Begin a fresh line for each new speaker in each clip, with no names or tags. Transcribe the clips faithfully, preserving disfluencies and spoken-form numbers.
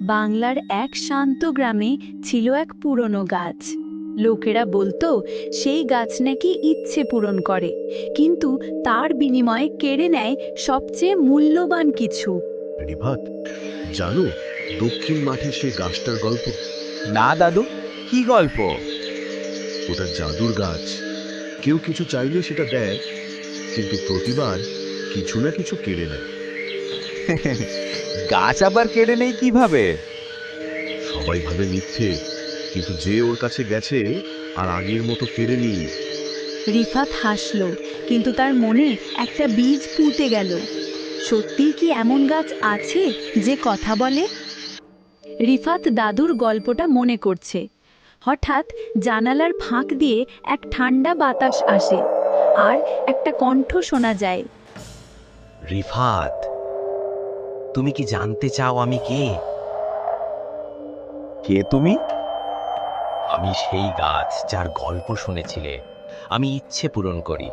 বাংলার এক শান্ত গ্রামে ছিল এক পুরনো গাছ। লোকেরা বলতো সেই গাছ নাকি ইচ্ছে পূরণ করে, কিন্তু তার বিনিময়ে কেড়ে নেয় সবচেয়ে মূল্যবান কিছু।
রিফাত, জানো দক্ষিণ মাঠে সে গাছটার গল্প?
না দাদু, কি গল্প?
ওটা জাদুর গাছ। কেউ কিছু চাইলে সেটা দেয়, কিন্তু প্রতিবার কিছু না কিছু কেড়ে নেয়।
গাছ আবার কেড়ে নেই কিভাবে?
সবাই ভাবে মিথ্যে, কিন্তু যে ওর কাছে গেছে আর আগের মতো ফেরেনি।
রিফাত হাসল, কিন্তু তার মনে একটা বীজ পুঁতে গেল। সত্যিই কি এমন গাছ আছে যে কথা বলে? রিফাত দাদুর গল্পটা মনে করছে। হঠাৎ জানালার ফাঁক দিয়ে এক ঠান্ডা বাতাস আসে, আর একটা কণ্ঠ শোনা যায়।
রিফাত, তুমি কি জানতে চাও আমি কে?
কে তুমি?
আমি সেই গাছ যার গল্প শুনেছিলে। আমি ইচ্ছে পূরণ করি।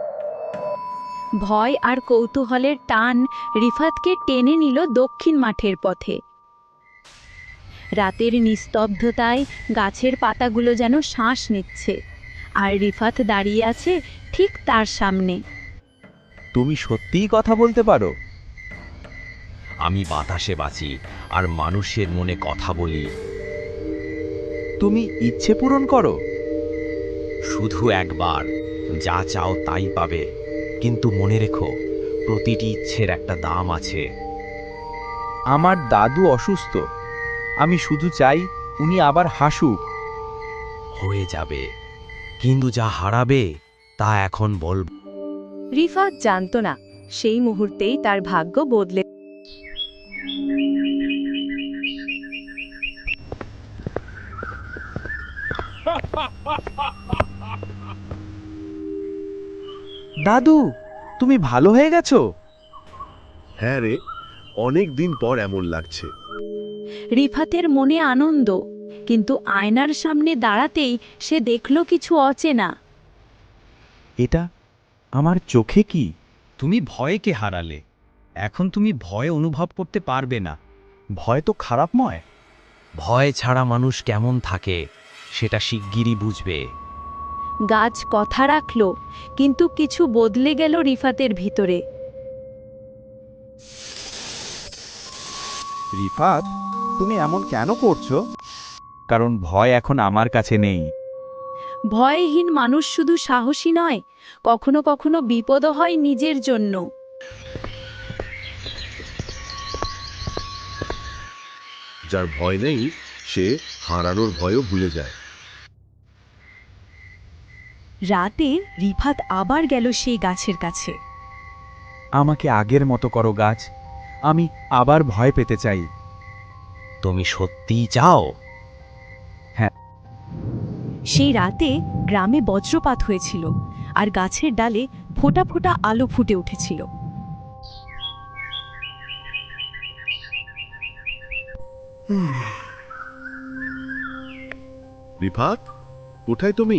ভয় আর কৌতূহলের টান রিফাতকে টেনে নিল দক্ষিণ মাঠের পথে। রাতের নিস্তব্ধতায় গাছের পাতাগুলো যেন শ্বাস নিচ্ছে, আর রিফাত দাঁড়িয়ে আছে ঠিক তার সামনে।
তুমি সত্যিই কথা বলতে পারো?
আমি বাতাসে বাঁচি আর মানুষের মনে কথা বলি।
তুমি ইচ্ছে পূরণ করো?
শুধু একবার। যা চাও তাই পাবে, কিন্তু মনে রেখো, প্রতিটি ইচ্ছের একটা দাম আছে।
আমার দাদু অসুস্থ, আমি শুধু চাই উনি আবার হাসুক।
হয়ে যাবে, কিন্তু যা হারাবে তা এখন বল।
রিফাত জানতো না সেই মুহূর্তেই তার ভাগ্য বদলে।
দাদু, তুমি ভালো হয়ে গেছো?
হ্যাঁ রে, অনেক দিন পর এমন লাগছে।
রিফাতের মনে আনন্দ, কিন্তু আয়নার সামনে দাঁড়াতেই সে দেখল কিছু অচেনা।
এটা আমার চোখে কি?
তুমি ভয়কে হারালে, এখন তুমি ভয় অনুভব করতে পারবে না।
ভয় তো খারাপ নয়।
ভয় ছাড়া মানুষ কেমন থাকে সেটা শিগগিরই বুঝবে।
গাছ কথা রাখল, কিন্তু কিছু বদলে গেল রিফাতের ভিতরে।
রিফাত, তুমি এমন কেন করছো? কারণ ভয় এখন আমার কাছে নেই।
ভয়হীন মানুষ শুধু সাহসী নয়, কখনো কখনো বিপদও হয় নিজের জন্য।
যার ভয় নেই সে হারানোর ভয়ও ভুলে যায়।
রাতে রিফাত আবার গেল সেই গাছের কাছে।
আমাকে আগের মতো করো গাছ, আমি আবার ভয় পেতে চাই।
তুমি সত্যিই চাও?
সেই রাতে গ্রামে বজ্রপাত হয়েছিল, আর গাছের ডালে ফোঁটা ফোঁটা আলো ফুটে উঠেছিল।
রিফাত, কোথায় তুমি?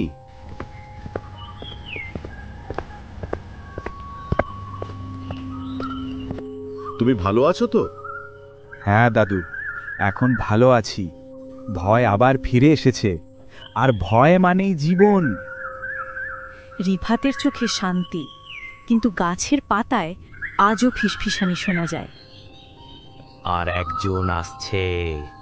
তুমি ভালো আছো তো?
হ্যাঁ দাদু, এখন ভালো আছি। ভয় আবার ফিরে এসেছে, আর ভয় মানেই জীবন।
রিফাতের চোখে শান্তি, কিন্তু গাছের পাতায় আজও ফিসফিসানি শোনা যায়।
আর একজন আসছে।